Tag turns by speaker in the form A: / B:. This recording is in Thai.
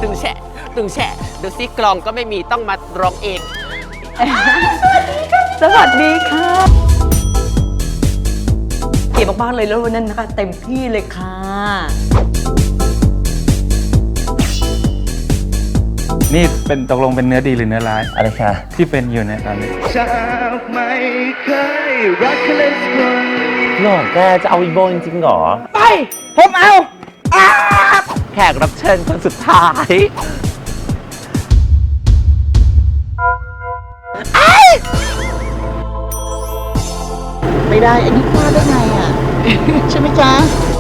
A: ตึงแฉะตึงแฉะดูซิกลองก็ไม่มีต้องมาร้องเอง
B: สวัสดีค่ะเก๋มากๆเลยแล้ววันนั้นนะคะเต็มที่เลยค่ะ
C: นี่เป็นตกลงเป็นเนื้อดีหรือเนื้อร้าย
D: อะไรคะ
C: ที่เป็นอยู่ในตอนนี้
D: จากไม่เคยรักใครเลยสักคนหรอแกจะเอาอีโบจริงๆหรอ
B: ไปผมเอา
D: แขกรับเชิญคนสุดท้าย
E: ไม่ได้ อันนี้พลาดได้ไงอ่ะ ใช่ไหมจ๊ะ